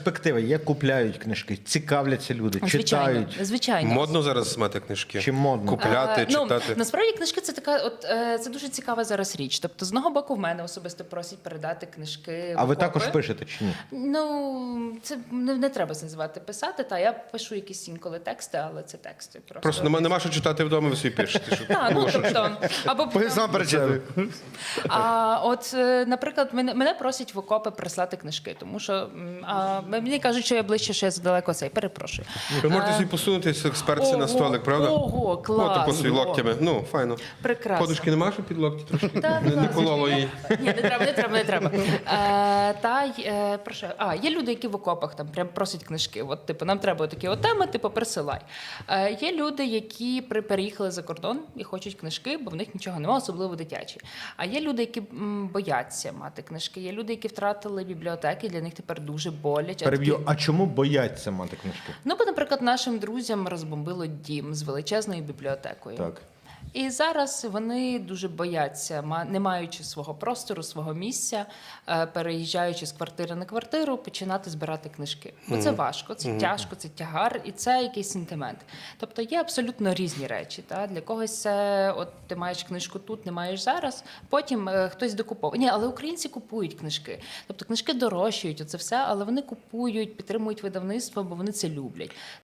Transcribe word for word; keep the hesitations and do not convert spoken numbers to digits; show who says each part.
Speaker 1: Перспектива є, купляють книжки, цікавляться люди,
Speaker 2: Звичайно,
Speaker 1: читають.
Speaker 2: звичайно.
Speaker 3: Модно зараз мати книжки?
Speaker 1: Чи модно?
Speaker 3: Купляти,
Speaker 2: Е,
Speaker 3: читати?
Speaker 2: Ну, насправді книжки це така, от е, це дуже цікава зараз річ. Тобто, з одного боку, в мене особисто просять передати книжки.
Speaker 1: А
Speaker 2: в
Speaker 1: ви
Speaker 2: окопи.
Speaker 1: також пишете чи ні?
Speaker 2: Ну, це не, не треба це називати писати. Та я пишу якісь інколи тексти, але це тексти. Просто,
Speaker 3: Просто нема, нема що читати вдома, ви собі пишете. Щоб
Speaker 2: Так, ну,
Speaker 3: було що
Speaker 2: тобто, або
Speaker 1: Сам перечитую.
Speaker 2: А от, е, наприклад, мене, мене просять в окопи прислати книжки, тому що м, а, мені кажуть, що я ближче, що я задалеко цей. Перепрошую.
Speaker 3: Ви можете собі посунутися експертці на столик, правда?
Speaker 2: Ого, клас.
Speaker 3: От, типу, локтями. Ну, файно.
Speaker 2: Прекрасно.
Speaker 3: Подушки нема, що під локті трошки?
Speaker 2: Та,
Speaker 3: Не,
Speaker 2: будь
Speaker 3: не
Speaker 2: ласка,
Speaker 3: кололо
Speaker 2: я-
Speaker 3: її.
Speaker 2: Ні, не треба, не треба, не треба. Е, та й, е, про що? А, є люди, які в окопах там прям просять книжки. От, типу, нам треба такі от теми, типу, присилай. Е, є люди, які при, переїхали за кордон і хочуть книжки, бо в них нічого немає, особливо дитячі. А є люди, які м, бояться мати книжки. Є люди, які втратили бібліотеки, для них тепер дуже боляче.
Speaker 1: Переб'ю,
Speaker 2: Такі-
Speaker 1: а чому бояться мати книжки?
Speaker 2: Ну, бо, наприклад, нашим друзям розбомбило дім з величезною бібліотекою.
Speaker 1: Так.
Speaker 2: І зараз вони дуже бояться, ма- не маючи свого простору, свого місця, е, переїжджаючи з квартири на квартиру, починати збирати книжки. Бо це важко, це тяжко, це тягар, і це якийсь сентимент. Тобто є абсолютно різні речі. Та? Для когось це, от ти маєш книжку тут, не маєш зараз, потім е, хтось докуповує. Ні, але українці купують книжки. Тобто книжки дорожчають, оце все, але вони купують, підтримують видавництво, бо вони це люблять.